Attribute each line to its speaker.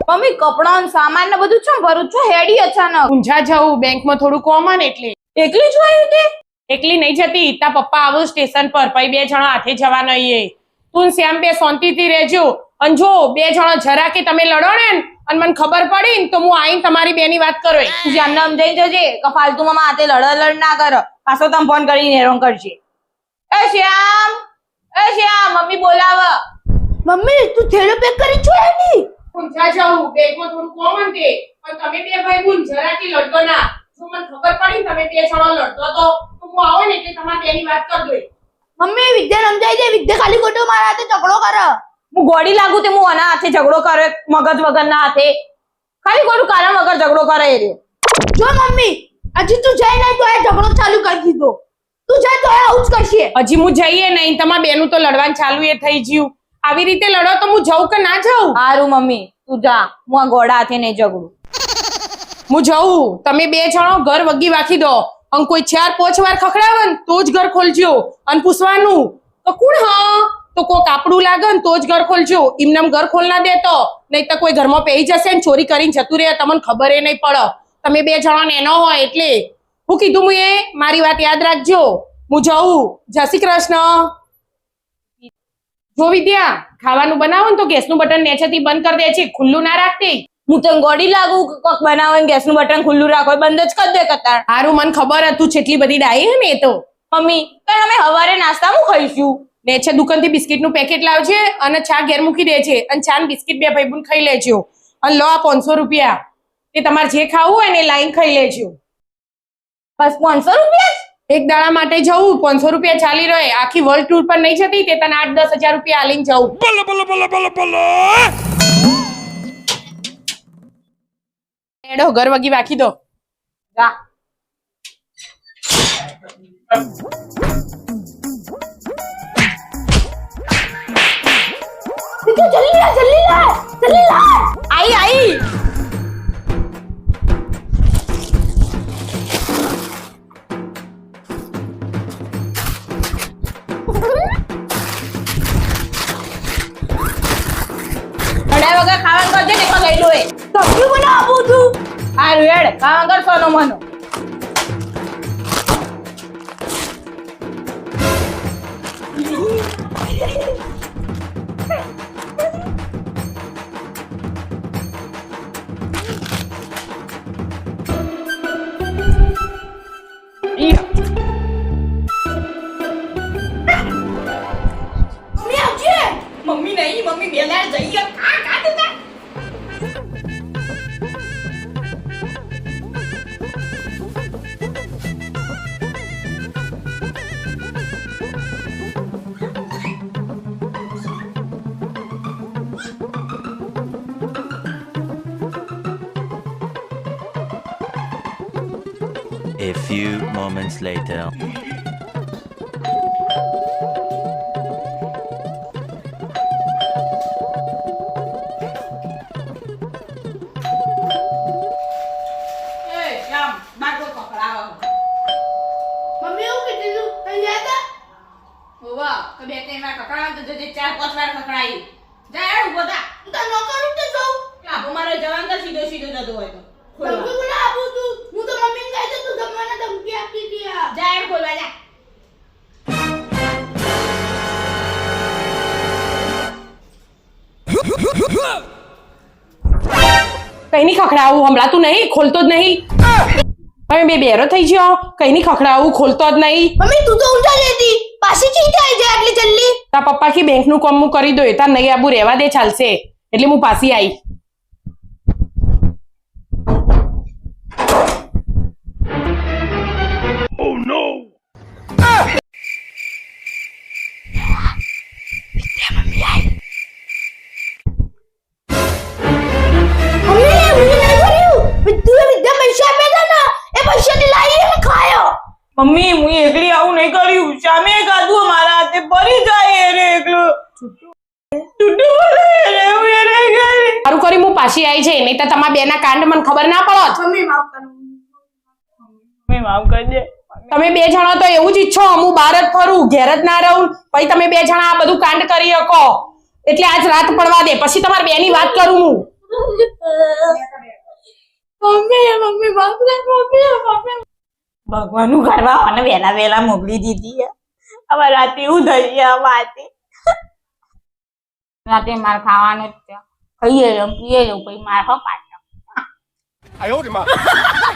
Speaker 1: Mummy કપડાં સામાન ને બધું છે ભરું છું હેડી અચાનક
Speaker 2: ઊંઝા જવું બેંકમાં થોડું કોમન એટલે
Speaker 1: એકલી જ આવી તે
Speaker 2: એકલી નહીં જતી તા પપ્પા આવું સ્ટેશન પર પછી 2 જણા હાથે જવા નહીં તું શ્યામ બે શાંતિથી રહેજો અને જો 2 જણા જરા કે તમે લડો ને અને મને ખબર પડી ને તો હું આઈને તમારી બેની વાત કરો
Speaker 1: તું જાનને સમજાઈ જજે કે ફાલતુ માં હાથે લડ ના કર પાછો તમે ફોન કરીને હેરાન કરશે એ શ્યામ મમ્મી બોલાવ મમ્મી તું થેલો પેક કરી છો એની
Speaker 2: ઊંઝા જવું બેંકમાં થોડું કોમન છે પણ તમે 2 ભાઈ બુન જરા કે લડતો ના જો મને ખબર પડી તમે 2 જણા લડતો તો હું આવો ને એટલે તમારી બેની વાત કર દો
Speaker 1: મમ્મી વિદ્યા સમજાઈ દે વિદ્યા ખાલી ખોટો મારા હાથે ઝઘડો કરે હું ગોડી લાગુ તે હું આના હાથે ઝઘડો કરે મગજ વગરના હાથે ખાલી ખોટું કારણ વગર ઝઘડો કરે એ રહ્યો જો મમ્મી હજી તું જાય નહીં તો આ ઝઘડો ચાલુ કરી દીધો તું જાય તો આવું જ કરશે
Speaker 2: હજી હું જઈએ નહીં તમારા બેનું તો લડવાનું ચાલુ એ થઈ ગયું આવી રીતે લડો તો હું જઉં કે ના જાઉં
Speaker 1: હારું મમ્મી તું જા હું આ ગોડા હાથે નહીં ઝઘડું
Speaker 2: હું જઉં તમે 2 જણો ઘર વગી વાખી દો અને કોઈ 4-5 વાર ખખડાવે ને તો જ ઘર ખોલજો અને પૂછવાનું તો કોણ હા તો કોક આપણું લાગે ને તો જ ઘર ખોલજો એમનેમ ઘર ખોલ ના દેતો નહીં તો કોઈ ઘરમાં પેઈ જશે ને ચોરી કરીને જતું રહે તમને ખબર એ નહીં પડે તમે 2 જણાને એનો હોય એટલે હું કીધું હું એ મારી વાત યાદ રાખજો હું જઉં જય શ્રી કૃષ્ણ જો વિદ્યા ખાવાનું બનાવો ને તો ગેસનું બટન નેચેથી બંધ કરી દે છે ખુલ્લું ના રાખતી
Speaker 1: હું તને ગોડી લાગુ કોક બનાવે ગેસનું બટન ખુલ્લું રાખો બંધ જ કરી દે કતાર
Speaker 2: હારું મને ખબર હતું છેટલી બધી ડાઈ હે ને એ તો
Speaker 1: મમ્મી પણ અમે હવારે નાસ્તામાં ખાઈશું
Speaker 2: ને છે દુકાનથી બિસ્કિટનું પેકેટ લાવજે અને ચા ઘેર મૂકી દેજે અને ચા ને બિસ્કિટ 2 ભાઈબંધ ખાઈ લેજો અને લો આ 500 રૂપિયા તે તમારે જે ખાવું હોય ને લાઈન ખાઈ લેજો
Speaker 1: બસ 500 રૂપિયા
Speaker 2: એક દાડા માટે જવું 500 રૂપિયા ચાલી રહે આખી વર્લ્ડ ટૂર પર નહીં જતી તે તને 8-10 હજાર રૂપિયા આલીને જવું બોલો બોલો બોલો બોલો બોલો એડો ઘર વગી વાખી દો
Speaker 1: જા જલ્દી લા આઈ વગર ખાવાનું કરજે ને તો ગઈ લોય સબ્જી બનાવું છું આ રેડ ખાવા કરશો નો મનો મમ્મી નહીં મમ્મી બેલાર જઈએ
Speaker 3: A few moments later.
Speaker 2: કઈ ની ખખડાવું હમણાં નહીં ખોલતો જ નહીં હવે બેરો થઈ ગયો કઈ ની ખખડાવું ખોલતો જ નહીં
Speaker 1: મમ્મી તું તો ઊંચા લેતી પાછી ચીતે આવી જાય આટલી જલ્દી
Speaker 2: તા પપ્પા કી બેંક નું કામ હું કરી દો તાર નહીં આબુ રહેવા દે ચાલશે એટલે હું પાછી આવી
Speaker 3: Oh no!
Speaker 1: મમ્મી હું એકલી આવું નહીં કર્યું સામે કાઢું મારા હાથે ભરી જાય રે એકલું
Speaker 2: સારું કરી હું પાછી આવી છે નહીં તો તમારા બેના કાંડ મને ખબર ના પડત
Speaker 1: મમ્મી માફ કરી દે
Speaker 2: તમે 2 જણા તો એવું જ ઈચ્છો હું બહાર જ ફરું ઘેર જ ના રહું પછી તમે 2 જણા આ બધું કાંડ કરી શકો એટલે આજ રાત પડવા દે પછી તમારી બેની વાત કરું હું
Speaker 1: મમ્મી ભગવાનનું કરવા અને વેલા વેલા મોકલી દીધી હવે રાતે એવું થઈ ગયા વાતે રાતે માર ખાવાનું જ છે ખાઈએ લઉં પીએ લઉં પછી માર પાછો
Speaker 4: 哎呦我的妈！